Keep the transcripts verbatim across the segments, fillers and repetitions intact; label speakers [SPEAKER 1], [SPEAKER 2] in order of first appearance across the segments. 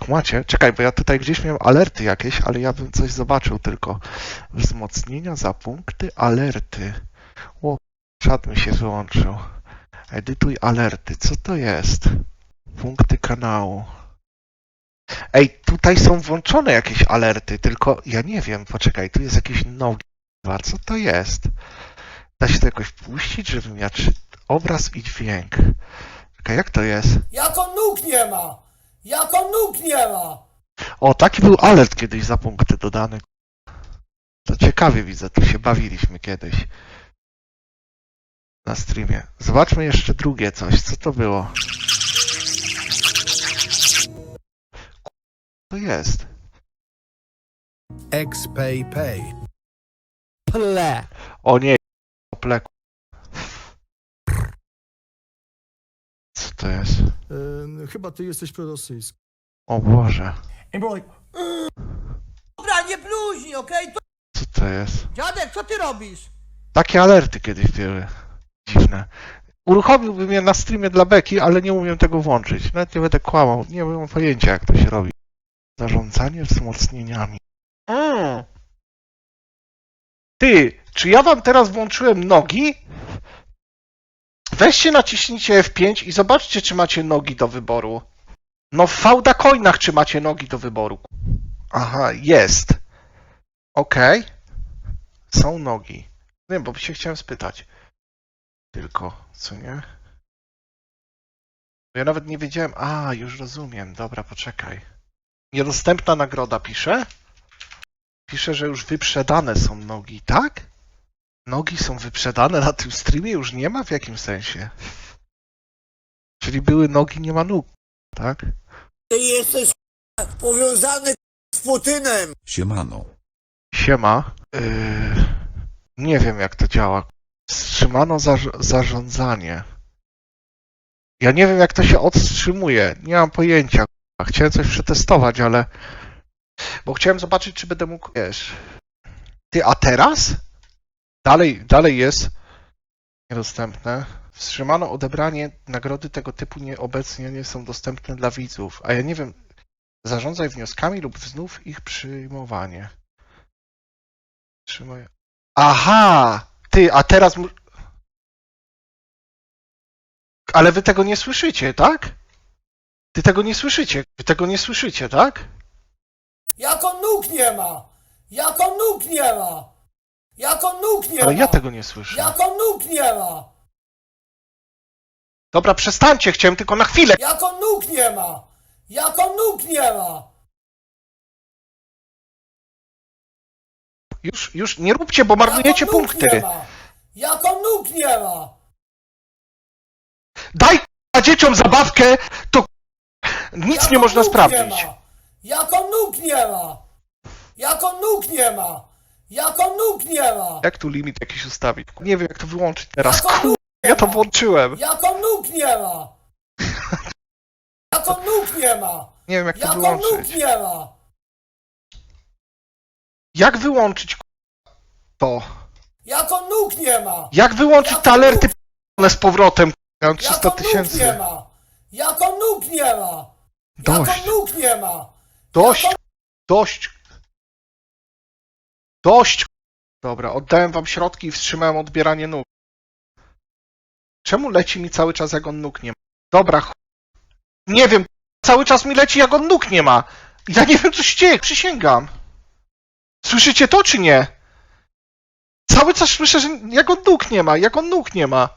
[SPEAKER 1] Kumacie? Czekaj, bo ja tutaj gdzieś miałem alerty jakieś, ale ja bym coś zobaczył tylko. Wzmocnienia za punkty, alerty. O, czat mi się wyłączył. Edytuj alerty. Co to jest? Punkty kanału. Ej, tutaj są włączone jakieś alerty, tylko ja nie wiem, poczekaj, tu jest jakieś nogi. Co to jest? Da się to jakoś puścić, żebym ja czy... Obraz i dźwięk. Czekaj, jak to jest?
[SPEAKER 2] Jako nóg nie ma! Jako nóg nie ma!
[SPEAKER 1] O, taki był alert kiedyś za punkty dodany. To ciekawie widzę, tu się bawiliśmy kiedyś. Na streamie. Zobaczmy jeszcze drugie coś. Co to było? To jest.
[SPEAKER 3] Xpay Pay.
[SPEAKER 4] Ple.
[SPEAKER 1] O nie, pleku. Co to jest?
[SPEAKER 3] Yy, chyba ty jesteś prorosyjski.
[SPEAKER 1] O Boże.
[SPEAKER 2] I było like... Dobra, nie bluźnij, okej? Okay?
[SPEAKER 1] Co to jest?
[SPEAKER 2] Dziadek, co ty robisz?
[SPEAKER 1] Takie alerty kiedyś były. Dziwne. Uruchomiłbym je na streamie dla beki, ale nie umiem tego włączyć. Nawet nie będę kłamał. Nie mam pojęcia, jak to się robi. Zarządzanie wzmocnieniami. Mm. Ty, czy ja wam teraz włączyłem nogi? Weźcie, naciśnijcie F pięć i zobaczcie, czy macie nogi do wyboru. No w fałda coinach, czy macie nogi do wyboru. Aha, jest. Okej. Okay. Są nogi. Nie, bo się chciałem spytać. Tylko, co nie? Ja nawet nie wiedziałem. A, już rozumiem. Dobra, poczekaj. Niedostępna nagroda pisze? Pisze, że już wyprzedane są nogi, tak? Nogi są wyprzedane na tym streamie? Już nie ma? W jakim sensie? Czyli były nogi, nie ma nóg, tak?
[SPEAKER 2] Ty jesteś powiązany z Putynem!
[SPEAKER 5] Siemano.
[SPEAKER 1] Siema. Yy, nie wiem, jak to działa. Wstrzymano zarz- zarządzanie. Ja nie wiem, jak to się odwstrzymuje. Nie mam pojęcia. Chciałem coś przetestować, ale... Bo chciałem zobaczyć, czy będę mógł... Wiesz... Ty, a teraz? Dalej, dalej jest niedostępne. Wstrzymano odebranie nagrody tego typu nie, obecnie nie są dostępne dla widzów. A ja nie wiem... Zarządzaj wnioskami lub znów ich przyjmowanie. Trzymaj... Aha! Ty, a teraz... mu- Ale wy tego nie słyszycie, tak? Ty tego nie słyszycie. Wy tego nie słyszycie, tak?
[SPEAKER 2] Jako nóg nie ma! Jako nóg nie ma! Jako nóg nie ma!
[SPEAKER 1] Ale ja tego nie słyszę.
[SPEAKER 2] Jako nóg nie ma!
[SPEAKER 1] Dobra, przestańcie, chciałem tylko na chwilę.
[SPEAKER 2] Jako nóg nie ma! Jako nóg nie ma!
[SPEAKER 1] Już, już nie róbcie, bo marnujecie
[SPEAKER 2] Jako nóg
[SPEAKER 1] punkty.
[SPEAKER 2] nie ma! Jako nóg nie ma!
[SPEAKER 1] Daj k***a, dzieciom zabawkę, to k***a, nic
[SPEAKER 2] Jako
[SPEAKER 1] nie można
[SPEAKER 2] nóg
[SPEAKER 1] sprawdzić.
[SPEAKER 2] Nie ma. Jako nóg nie ma! Jako nóg nie ma! Jako nóg nie ma!
[SPEAKER 1] Jak tu limit jakiś ustawić? Nie wiem, jak to wyłączyć teraz.
[SPEAKER 2] Jako
[SPEAKER 1] Kur...
[SPEAKER 2] nóg nie
[SPEAKER 1] Ja to
[SPEAKER 2] ma.
[SPEAKER 1] włączyłem.
[SPEAKER 2] Jako nóg nie ma! Jako nóg nie ma!
[SPEAKER 1] Nie wiem, jak to
[SPEAKER 2] Jako nóg
[SPEAKER 1] wyłączyć.
[SPEAKER 2] nie ma!
[SPEAKER 1] Jak wyłączyć k***a, to?
[SPEAKER 2] Jako nóg nie ma!
[SPEAKER 1] Jak wyłączyć te alerty p***one z powrotem? Ja mam trzysta
[SPEAKER 2] Jako nóg nie
[SPEAKER 1] tysięcy.
[SPEAKER 2] ma! Jako nóg nie ma!
[SPEAKER 1] Dość.
[SPEAKER 2] Jako nóg nie ma!
[SPEAKER 1] Dość.
[SPEAKER 2] Jako...
[SPEAKER 1] Dość. Dość. Dobra, oddałem wam środki i wstrzymałem odbieranie nóg. Czemu leci mi cały czas, jak on nóg nie ma? Dobra, ch... Nie wiem, cały czas mi leci, jak on nóg nie ma. Ja nie wiem, co się dzieje, przysięgam. Słyszycie to, czy nie? Cały czas słyszę, że jak on nóg nie ma, jak on nóg nie ma.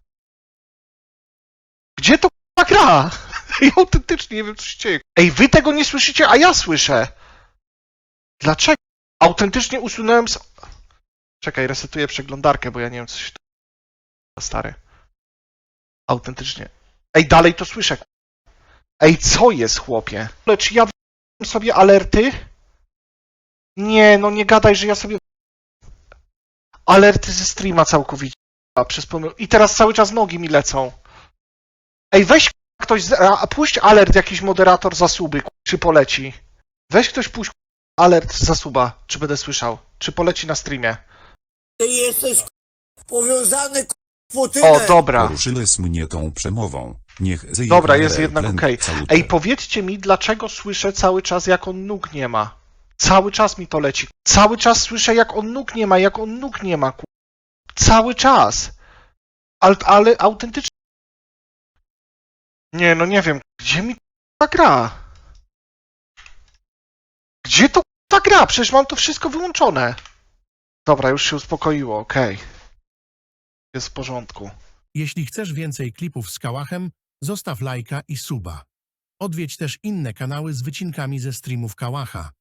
[SPEAKER 1] Gdzie to k***a gra? I autentycznie nie wiem, co się dzieje. Ej, wy tego nie słyszycie, a ja słyszę. Dlaczego? Autentycznie usunąłem z... Czekaj, resetuję przeglądarkę, bo ja nie wiem, co się... Stary. Autentycznie. Ej, dalej to słyszę. Ej, co jest, chłopie? Lecz ja w... sobie alerty? Nie, no nie gadaj, że ja sobie... Alerty ze streama całkowicie. A, przez pomył... I teraz cały czas nogi mi lecą. Ej, weź ktoś... Z... A, puść alert, jakiś moderator zasuby, czy poleci. Weź ktoś puść alert zasuba, czy będę słyszał. Czy poleci na streamie.
[SPEAKER 2] Ty jesteś powiązany z Putynem!
[SPEAKER 1] O, dobra.
[SPEAKER 5] Poruszyłeś mnie tą przemową. Niech zje
[SPEAKER 1] Dobra,
[SPEAKER 5] H
[SPEAKER 1] jest
[SPEAKER 5] R
[SPEAKER 1] jednak
[SPEAKER 5] Blend
[SPEAKER 1] okej.
[SPEAKER 5] Salute.
[SPEAKER 1] Ej, powiedzcie mi, dlaczego słyszę cały czas, jak on nóg nie ma? Cały czas mi to leci. Cały czas słyszę, jak on nóg nie ma, jak on nóg nie ma, ku... Cały czas. Ale, ale autentycznie... Nie, no nie wiem, gdzie mi ta gra? Gdzie to ta gra? Przecież mam to wszystko wyłączone. Dobra, już się uspokoiło, okej. Jest w porządku.
[SPEAKER 6] Jeśli chcesz więcej klipów z Kałachem, zostaw lajka i suba. Odwiedź też inne kanały z wycinkami ze streamów Kałacha.